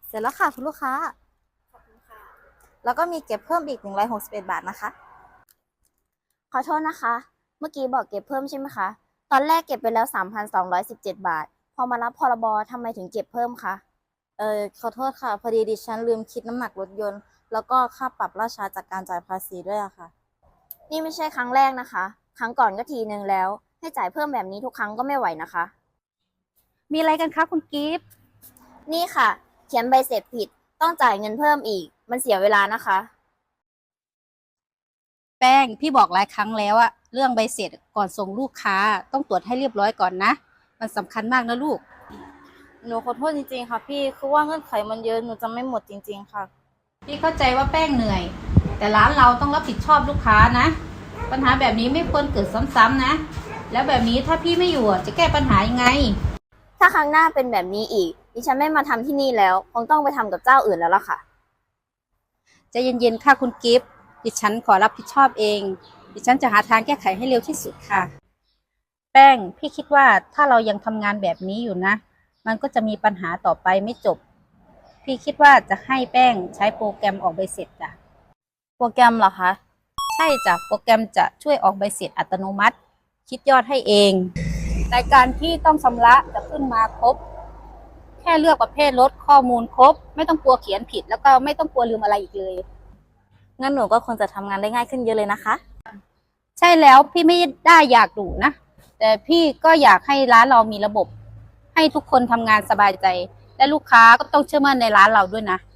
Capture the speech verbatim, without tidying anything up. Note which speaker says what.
Speaker 1: เสร็จแล้วค่ะคุณลูกค้า
Speaker 2: ขอบคุณค่ะ
Speaker 1: แล้วก็มีเก็บเพิ่มอีกหนึ่งร้อยหกสิบเอ็ดบาทนะคะ
Speaker 2: ขอโทษนะคะเมื่อกี้บอกเก็บเพิ่มใช่ไหมคะตอนแรกเก็บไปแล้วสามพันสองร้อยสิบเจ็ดบาทพอมารับพรบทำไมถึงเก็บเพิ่มคะ
Speaker 1: เออขอโทษค่ะพอดีดิฉันลืมคิดน้ำหนักรถยนต์แล้วก็ค่าปรับราชาจากการจ่ายภาษีด้วยอะค่ะ
Speaker 2: นี่ไม่ใช่ครั้งแรกนะคะครั้งก่อนก็ทีนึงแล้วให้จ่ายเพิ่มแบบนี้ทุกครั้งก็ไม่ไหวนะคะ
Speaker 3: มีอะไรกันคะคุณกิฟต์
Speaker 2: นี่ค่ะเขียนใบเสร็จผิดต้องจ่ายเงินเพิ่มอีกมันเสียเวลานะคะ
Speaker 3: แป้งพี่บอกหลายครั้งแล้วอะเรื่องใบเสร็จก่อนส่งลูกค้าต้องตรวจให้เรียบร้อยก่อนนะมันสำคัญมากนะลูก
Speaker 1: หนูขอโทษจริงๆค่ะพี่คือว่าเงื่อนไขมันเยอะหนูจะไม่หมดจริงๆค่ะ
Speaker 3: พี่เข้าใจว่าแป้งเหนื่อยแต่ร้านเราต้องรับผิดชอบลูกค้านะปัญหาแบบนี้ไม่ควรเกิดซ้ำๆนะแล้วแบบนี้ถ้าพี่ไม่อยู่อะจะแก้ปัญหายังไง
Speaker 2: ถ้าครั้งหน้าเป็นแบบนี้อีกดิฉันไม่มาทำที่นี่แล้วคงต้องไปทำกับเจ้าอื่นแล้วล่ะค่ะ
Speaker 3: ใจะเย็นๆค่ะคุณกิฟต์ดิฉันขอรับผิดชอบเองดิฉันจะหาทางแก้ไขให้เร็วที่สุดค่ะแป้งพี่คิดว่าถ้าเรายังทำงานแบบนี้อยู่นะมันก็จะมีปัญหาต่อไปไม่จบพี่คิดว่าจะให้แป้งใช้โปรแกรมออกใบเสร็จจ้ะ
Speaker 1: โปรแกรมเหรอคะ
Speaker 3: ใช่จ้ะโปรแกรมจะช่วยออกใบเสร็จอัตโนมัติคิดยอดให้เองรายการที่ต้องชำระจะขึ้นมาครบแค่เลือกประเภทรถข้อมูลครบไม่ต้องกลัวเขียนผิดแล้วก็ไม่ต้องกลัวลืมอะไรอีกเลย
Speaker 1: งั้นหนูก็คงจะทำงานได้ง่ายขึ้นเยอะเลยนะคะ
Speaker 3: ใช่แล้วพี่ไม่ได้อยากดุนะแต่พี่ก็อยากให้ร้านเรามีระบบให้ทุกคนทำงานสบายใจและลูกค้าก็ต้องเชื่อมั่นในร้านเราด้วยนะ